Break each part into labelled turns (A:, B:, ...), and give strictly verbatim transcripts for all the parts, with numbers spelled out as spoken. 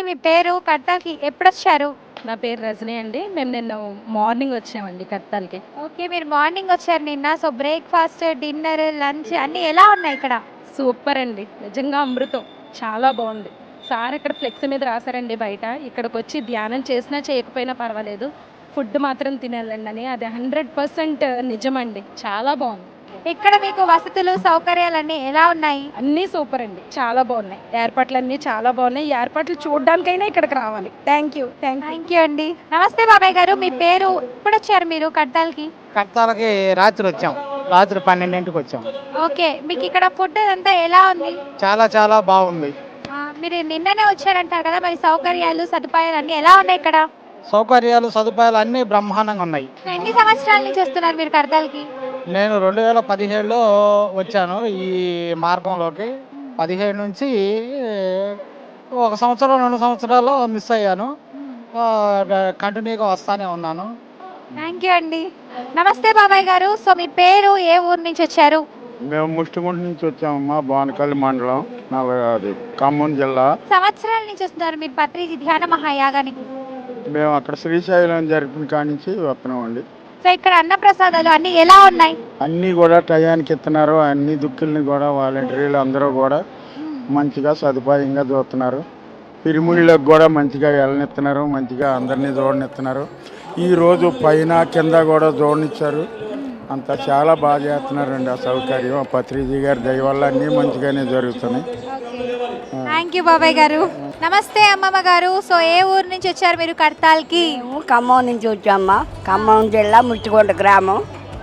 A: అండి మీ పేరు? కడతాల్‌కి ఎప్పుడొచ్చారు?
B: నా పేరు రజనీ అండి. మేము నిన్న మార్నింగ్ వచ్చామండి కడతాల్‌కి.
A: ఓకే. మీరు మార్నింగ్ వచ్చారు నిన్న. సో, బ్రేక్‌ఫాస్ట్, డిన్నర్, లంచ్ అన్నీ ఎలా ఉన్నాయి ఇక్కడ?
B: సూపర్ అండి. నిజంగా అమృతం. చాలా బావుంది. సార్ ఇక్కడ ఫ్లెక్స్ మీద రాసారండి బయట. ఇక్కడికొచ్చి ధ్యానం చేసినా చేయకపోయినా పర్వాలేదు. ఫుడ్ మాత్రం తినేళ్ళండని. అది హండ్రెడ్ పర్సెంట్ నిజమండి. చాలా బావుంది.
A: ఇక్కడ మీకు వసతులు, సౌకర్యాలన్నీ ఎలా ఉన్నాయి?
B: అన్నీ సూపర్ అండి. చాలా బావున్నాయి. ఏర్పాట్లన్నీ చాలా బావున్నాయి. ఈ ఏర్పాట్లు చూడ్డానికైనా ఇక్కడికి రావాలి. Thank you. Thank you.
A: Thank you అండి. నమస్తే బాబాయ్ గారు. మీ పేరు? ఎప్పుడొచ్చారు మీరు కడతాల్‌కి?
C: కడతాలకి రాత్రి వచ్చాం. రాత్రి పన్నెండింటికి వచ్చాం.
A: ఓకే. మీకిక్కడ ఫుడ్ అదంతా ఎలా ఉంది?
C: చాలా చాలా బాగుంది.
A: ఆ! మీరు నిన్ననే వచ్చారంటారు కదా! మరి సౌకర్యాలు, సదుపాయాలు అన్నీ ఎలా ఉన్నాయి ఇక్కడ?
C: సౌకర్యాలు, సదుపాయాలు అన్నీ బ్రహ్మాండంగా ఉన్నాయి.
A: ఎన్ని సంవత్సరాల నుంచి వస్తున్నారు మీరు కడతాల్‌కి?
C: నేను రెండు వేల పదిహేడులో వచ్చాను ఈ మార్గంలోకి. పదిహేడు నుంచి ఒక సంవత్సరం, రెండు సంవత్సరాలు మిస్ అయ్యాను. ఆహ్, కంటిన్యూగా వస్తానే ఉన్నాను.
A: థ్యాంక్ యూ అండి. నమస్తే బాబాయ్ గారు. సో, మీ పేరు? ఏ ఊరు నుంచి వచ్చారు?
D: మేము ముష్టిగుంట నుంచి వచ్చామమ్మా. బానకల్లి మండలం, నల్ల అది ఖమ్మం జిల్లా.
A: సంవత్సరాల నుంచి వస్తున్నారు మీరు పత్రిజీ ధ్యాన మహాయాగానికి.
D: మేము అక్కడ శ్రీశైలం జరిపిన కాడి నుంచి వస్తున్నామండి.
A: సో, ఇక్కడ అన్నప్రసాదాలు అన్నీ ఎలా ఉన్నాయి?
D: అన్నీ కూడా టయానికి ఇస్తున్నారు. అన్ని దుక్కుల్ని కూడా వాలంటీర్లు అందరూ కూడా మంచిగా సదుపాయంగా చూస్తున్నారు. పిరిముళ్ళకి కూడా మంచిగా వెళ్ళనిస్తున్నారు. మంచిగా అందరినీ చూడనిస్తున్నారు. ఈరోజు పైన కింద కూడా చూడనిచ్చారు. అంతా చాలా బాగా చేస్తున్నారండి. ఆ సౌకర్యం ఆ పత్రిజీ గారి దయ వల్ల అన్నీ మంచిగానే జరుగుతున్నాయి.
A: థ్యాంక్ యూ బాబాయ్ గారు. నమస్తే అమ్మమ్మ గారు. సో, ఏ ఊరు నుంచి వచ్చారు మీరు కడతాల్‌కి?
E: మేము ఖమ్మం నుంచి వచ్చామ్మా. ఖమ్మం జిల్లా ముచ్చికొండ గ్రామం.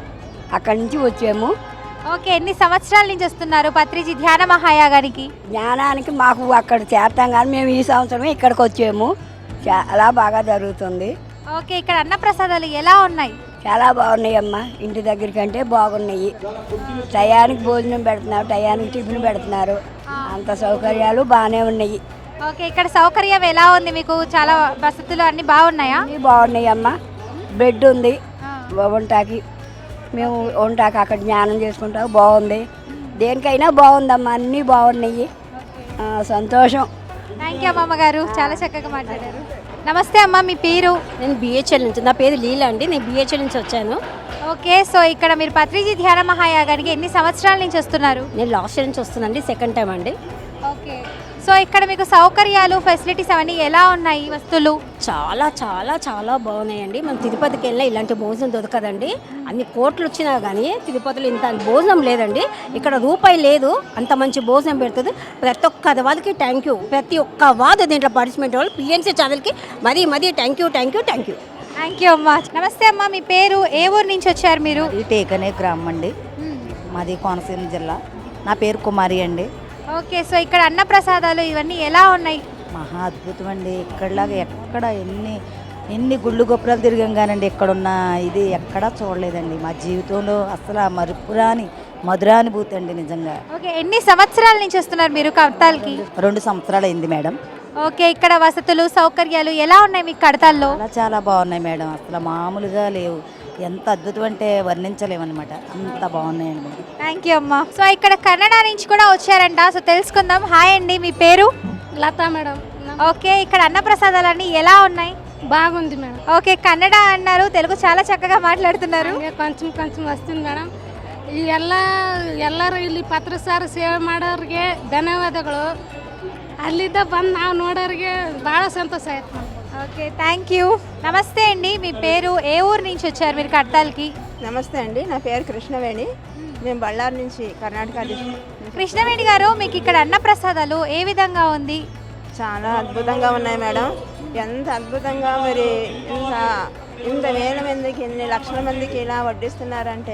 E: అక్కడి నుంచి వచ్చాము.
A: ఓకే. ఎన్ని సంవత్సరాల నుంచి వస్తున్నారు పత్రిజీ ధ్యాన మహాయాగానికి?
E: జ్ఞానానికి మాకు అక్కడ చేస్తాం కానీ మేము ఈ సంవత్సరమే ఇక్కడికి వచ్చాము. చాలా బాగా జరుగుతుంది.
A: ఓకే. ఇక్కడ అన్నప్రసాదాలు ఎలా ఉన్నాయి?
E: చాలా బాగున్నాయి అమ్మా. ఇంటి దగ్గర కంటే బాగున్నాయి. టయానికి భోజనం పెడుతున్నారు, టయానికి టిఫిన్ పెడుతున్నారు. అంత సౌకర్యాలు బాగానే ఉన్నాయి.
A: ఓకే. ఇక్కడ సౌకర్యం ఎలా ఉంది మీకు? చాలా వసతులు అన్నీ బాగున్నాయా?
E: అన్నీ బాగున్నాయి అమ్మా. బెడ్ ఉంది వంటాకి. మేము వంటాకి అక్కడ జ్ఞానం చేసుకుంటాం. బాగుంది. దేనికైనా బాగుందమ్మా. అన్నీ బాగున్నాయి. ఆ, సంతోషం.
A: థ్యాంక్ యూ అమ్మమ్మ గారు. చాలా చక్కగా మాట్లాడారు. నమస్తే అమ్మ. మీ పేరు?
F: నేను బిహెచ్ఎల్ నుంచి, నా పేరు లీలా అండి. నేను బిహెచ్ఎల్ నుంచి వచ్చాను.
A: ఓకే. సో, ఇక్కడ మీరు పత్రిజీ ధ్యాన మహాయాగానికి ఎన్ని సంవత్సరాల నుంచి వస్తున్నారు?
F: నేను లాస్ట్ ఇయర్ నుంచి వస్తున్నానండి. సెకండ్ టైం అండి.
A: ఓకే. సో, ఇక్కడ మీకు సౌకర్యాలు, ఫెసిలిటీస్ అవన్నీ ఎలా ఉన్నాయి? వస్తువులు
F: చాలా చాలా చాలా బాగున్నాయండి. మనం తిరుపతికి వెళ్ళినా ఇలాంటి భోజనం దొరకదండి. అన్ని కోట్లు వచ్చినా కానీ తిరుపతిలో ఇంత భోజనం లేదండి. ఇక్కడ రూపాయి లేదు, అంత మంచి భోజనం పెడుతుంది. ప్రతి ఒక్క వాళ్ళకి థ్యాంక్ యూ. ప్రతి ఒక్క వాదు దీంట్లో పార్టిసిపేట్ వాళ్ళు పిఎన్సీ ఛానల్కి మరీ మరీ thank you thank you thank you
A: thank you అమ్మ. నమస్తే అమ్మ. మీ పేరు? ఏ ఊరు నుంచి వచ్చారు మీరు?
G: ఈ టేకనే గ్రామం అండి. మాది కోనసీమ జిల్లా. నా పేరు కుమారి అండి.
A: ఓకే. సో, ఇక్కడ అన్నప్రసాదాలు ఇవన్నీ ఎలా ఉన్నాయి?
G: మహా అద్భుతం అండి. ఇక్కడలాగా ఎక్కడ ఎన్ని ఎన్ని గుళ్ళు గొప్పలు తిరిగాం కానండి ఇక్కడున్న ఇది ఎక్కడా చూడలేదండి. మా జీవితంలో అసలు ఆ మరుపురాని మధురానుభూతి అండి నిజంగా.
A: ఓకే. ఎన్ని సంవత్సరాల నుంచి వస్తున్నారు మీరు కడతాల్‌కి?
G: రెండు సంవత్సరాలు అయింది మేడం.
A: ఓకే. ఇక్కడ వసతులు, సౌకర్యాలు ఎలా ఉన్నాయి మీకు కడతాల్లో?
G: చాలా చాలా బాగున్నాయి మేడం. అసలు మామూలుగా లేవు. ఎంత అద్భుతం అంటే వర్ణించలేమన్నమాట. అంత బాగున్నాయండి మేడం.
A: థ్యాంక్ యూ అమ్మ. సో, ఇక్కడ కన్నడ నుంచి కూడా వచ్చారంట. సో, తెలుసుకుందాం. హాయ్ అండి. మీ పేరు?
H: లతా మేడం.
A: ఓకే. ఇక్కడ అన్నప్రసాదాలన్నీ ఎలా ఉన్నాయి?
H: బాగుంది మేడం.
A: ఓకే. కన్నడ అన్నారు, తెలుగు చాలా చక్కగా మాట్లాడుతున్నారు.
H: ಹಂಗೆ కొంచెం కొంచెం ವಸ್ತೀನಿ ಮೇಡಮ್. ಈ ಎಲ್ಲ ಎಲ್ಲರೂ ಇಲ್ಲಿ ಪತ್ರಸಾರ ಸೇವೆ ಮಾಡೋರಿಗೆ ಧನ್ಯವಾದಗಳು. ಅಲ್ಲಿದ್ದ ಬಂದು ನಾವು ನೋಡೋರಿಗೆ ಭಾಳ ಸಂತೋಷ ಆಯ್ತು ಮೇಡಮ್.
A: ఓకే. Thank you. నమస్తే అండి. మీ పేరు? ఏ ఊరు నుంచి వచ్చారు మీరు కడతాల్‌కి?
I: నమస్తే అండి. నా పేరు కృష్ణవేణి. మేము బళ్ళారి నుంచి, కర్ణాటక డిస్ట్రిక్ట్.
A: కృష్ణవేణి గారు, మీకు ఇక్కడ అన్నప్రసాదాలు ఏ విధంగా ఉంది?
I: చాలా అద్భుతంగా ఉన్నాయి మేడం. ఎంత అద్భుతంగా మరి ఇంత ఇంత వేల మందికి ఎన్ని లక్షల మందికి ఇలా వడ్డిస్తున్నారంటే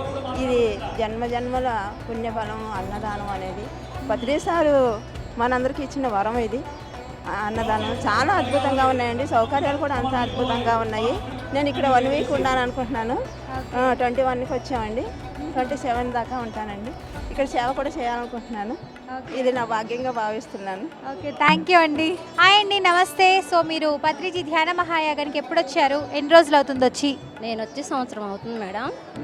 I: ఇది జన్మ జన్మల పుణ్యఫలం అన్నదానం అనేది. పత్రిసారు మనందరికీ ఇచ్చిన వరం ఇది. అన్నదానం చాలా అద్భుతంగా ఉన్నాయండి. సౌకర్యాలు కూడా అంత అద్భుతంగా ఉన్నాయి. నేను ఇక్కడ వన్ వీక్ ఉన్నాను అనుకుంటున్నాను. ట్వంటీ వన్కి వచ్చామండి. ట్వంటీ సెవెన్ దాకా ఉంటానండి. ఇక్కడ సేవ కూడా చేయాలనుకుంటున్నాను. ఇది నా భాగ్యంగా భావిస్తున్నాను.
A: ఓకే. థ్యాంక్ యూ అండి. హాయ్ అండి. నమస్తే. సో, మీరు పత్రిజీ ధ్యాన మహాయాగానికి ఎప్పుడు వచ్చారు? ఎన్ని రోజులు అవుతుంది వచ్చి?
F: నేను వచ్చి సంవత్సరం అవుతుంది మేడం.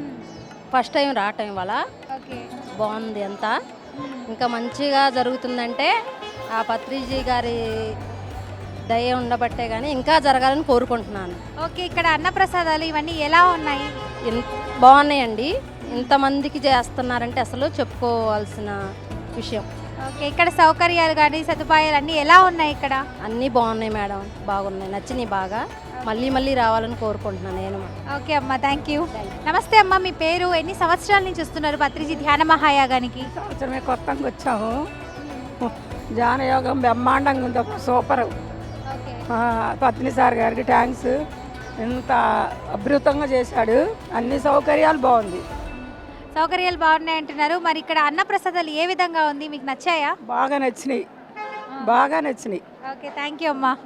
F: ఫస్ట్ టైం రావటం వల్ల
A: ఓకే.
F: బాగుంది అంతా. ఇంకా మంచిగా జరుగుతుందంటే ఆ పత్రిజీ గారి దయ ఉండబట్టే కానీ ఇంకా జరగాలని కోరుకుంటున్నాను.
A: ఓకే, ఇక్కడ అన్నప్రసాదాలు ఇవన్నీ ఎలా ఉన్నాయి?
F: ఇన్- బాగున్నాయండి. ఇంతమందికి చేస్తున్నారంటే అసలు చెప్పుకోవాల్సిన విషయం.
A: ఓకే, ఇక్కడ సౌకర్యాలు కానీ సదుపాయాలు అన్నీ ఎలా ఉన్నాయి ఇక్కడ?
F: అన్నీ బాగున్నాయి మేడం, బాగున్నాయి, నచ్చినాయి బాగా. మళ్ళీ మళ్ళీ రావాలని కోరుకుంటున్నాను నేను.
A: ఓకే అమ్మ, థ్యాంక్ యూ. నమస్తే అమ్మ, మీ పేరు? ఎన్ని సంవత్సరాల నుంచి వస్తున్నారు పత్రిజీ ధ్యాన మహాయాగానికి?
J: సంవత్సరమే కొత్తగా వచ్చాము. ధ్యానయోగం బ్రహ్మాండంగా ఉంది, ఒక సూపర్. పత్ని సార్ గారికి థ్యాంక్స్. ఎంత అద్భుతంగా చేశాడు, అన్ని సౌకర్యాలు బాగుంది.
A: సౌకర్యాలు బాగున్నాయి అంటున్నారు. మరి ఇక్కడ అన్నప్రసాదాలు ఏ విధంగా ఉంది, మీకు నచ్చాయా?
J: బాగా నచ్చినాయి, బాగా నచ్చినాయి.
A: ఓకే, థ్యాంక్ యూ అమ్మా.